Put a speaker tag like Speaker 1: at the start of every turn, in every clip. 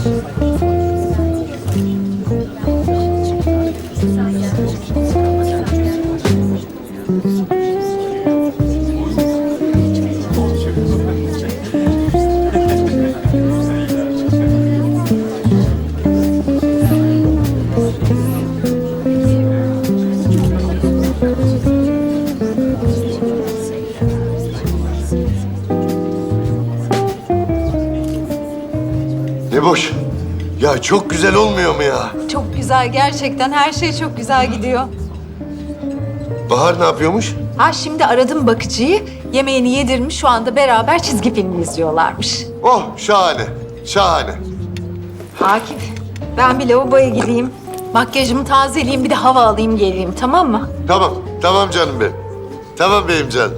Speaker 1: Ne boş. Ya çok güzel olmuyor mu ya?
Speaker 2: Çok güzel gerçekten. Her şey çok güzel gidiyor.
Speaker 1: Bahar ne yapıyormuş?
Speaker 2: Ha şimdi aradım bakıcıyı. Yemeğini yedirmiş. Şu anda beraber çizgi filmi izliyorlarmış.
Speaker 1: Oh şahane, şahane.
Speaker 2: Akif, ben bir lavaboya gideyim. Makyajımı tazeleyeyim, bir de hava alayım geleyim, tamam mı?
Speaker 1: Tamam, tamam canım benim. Tamam benim canım.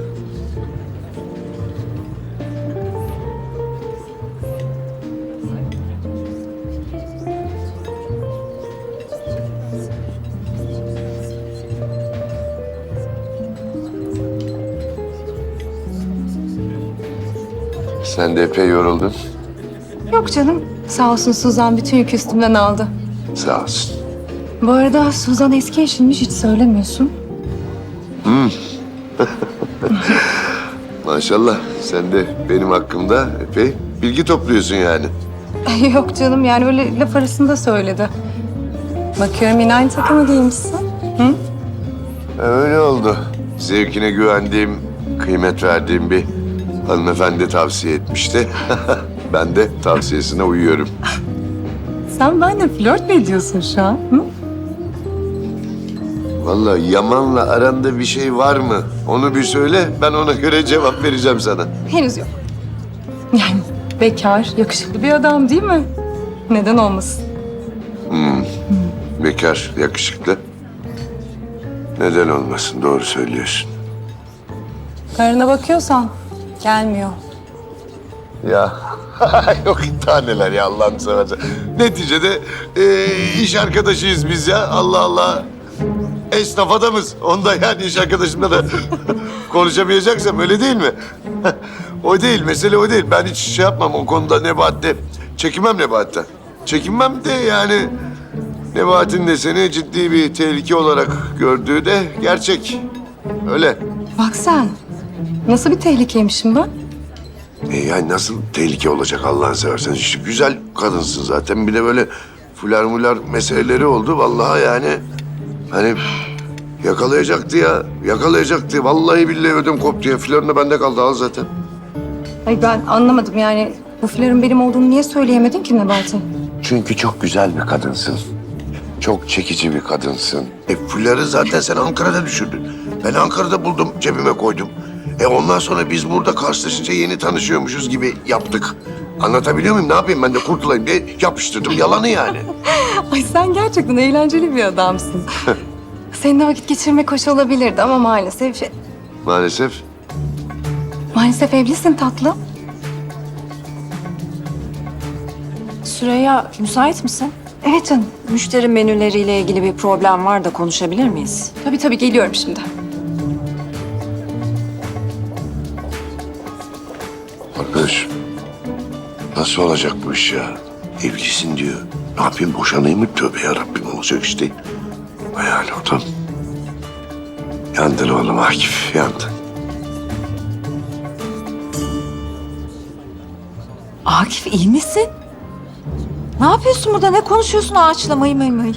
Speaker 1: Sen de epey yoruldun.
Speaker 3: Yok canım. Sağ olsun Suzan bütün yükü üstümden aldı.
Speaker 1: Sağ olsun.
Speaker 3: Bu arada Suzan eski eşinmiş hiç söylemiyorsun.
Speaker 1: Maşallah sen de benim hakkımda epey bilgi topluyorsun yani.
Speaker 3: Yok canım yani öyle laf arasında söyledi. Bakıyorum yine aynı takımı giymişsin.
Speaker 1: Öyle oldu. Zevkine güvendiğim, kıymet verdiğim bir hanımefendi tavsiye etmişti. Ben de tavsiyesine uyuyorum.
Speaker 3: Sen benimle flört mü ediyorsun şu an? Hı?
Speaker 1: Vallahi Yaman'la aranda bir şey var mı? Onu bir söyle, ben ona göre cevap vereceğim sana.
Speaker 3: Henüz yok. Yani bekar, yakışıklı bir adam değil mi? Neden olmasın?
Speaker 1: Bekar, yakışıklı. Neden olmasın, doğru söylüyorsun.
Speaker 3: Karına bakıyorsan gelmiyor.
Speaker 1: Ya yok taneler ya Allah'ını seversen. Neticede iş arkadaşıyız biz ya. Allah Allah. Esnaf adamız. Onda yani iş arkadaşımla da konuşamayacaksam öyle değil mi? O değil, mesele o değil. Ben hiç şey yapmam o konuda Nebahat'te. Çekinmem Nebahat'ten. Çekinmem de yani Nebahat'in de seni ciddi bir tehlike olarak gördüğü de gerçek. Öyle.
Speaker 3: Bak sen. Nasıl bir tehlikeymişim ben?
Speaker 1: Yani nasıl tehlike olacak Allah'ını seversen? İşte güzel kadınsın zaten. Bir de böyle fular mular meseleleri oldu. Vallahi yani hani yakalayacaktı ya. Yakalayacaktı. Vallahi billahi ödüm koptu ya. Flörüne bende kaldı al zaten.
Speaker 3: Ay ben anlamadım yani. Bu flörün benim olduğunu niye söyleyemedin ki Nebati?
Speaker 1: Çünkü çok güzel bir kadınsın. Çok çekici bir kadınsın. Fuları zaten sen Ankara'da düşürdün. Ben Ankara'da buldum, cebime koydum. Ondan sonra biz burada karşılaşınca yeni tanışıyormuşuz gibi yaptık. Anlatabiliyor muyum? Ne yapayım ben de kurtulayım diye yapıştırdım. Yalanı yani.
Speaker 3: Ay sen gerçekten eğlenceli bir adamsın. Seninle vakit geçirmek hoş olabilirdi ama
Speaker 1: Maalesef.
Speaker 3: maalesef evlisin tatlım.
Speaker 2: Süreyya, müsait misin?
Speaker 3: Evet canım.
Speaker 2: Müşteri menüleriyle ilgili bir problem var da konuşabilir miyiz?
Speaker 3: Tabii geliyorum şimdi.
Speaker 1: Arkadaş, nasıl olacak bu iş ya? Evlisin diyor. Ne yapayım boşanayım mı? Tövbe yarabbim olacak işte. Hayal oldum. Yandın oğlum Akif, yandın.
Speaker 2: Akif iyi misin? Ne yapıyorsun burada? Ne konuşuyorsun ağaçla mıy mıy mıy?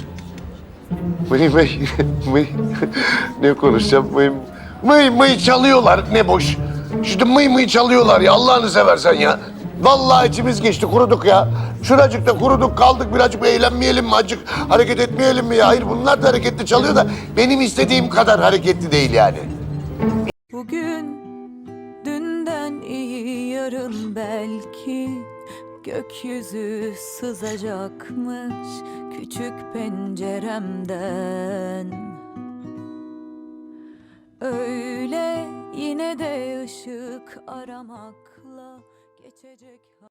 Speaker 1: Mıy. Ne konuşacağım mıy çalıyorlar ne boş. Şimdi mıy çalıyorlar ya Allah'ını seversen ya. Vallahi içimiz geçti kuruduk ya. Şuracıkta kuruduk kaldık birazcık eğlenmeyelim mi acık hareket etmeyelim mi ya? Hayır bunlar da hareketli çalıyor da benim istediğim kadar hareketli değil yani.
Speaker 4: Bugün dünden iyi yarın belki gökyüzü sızacakmış küçük penceremden. Öyle yine de ışık aramakla geçecek.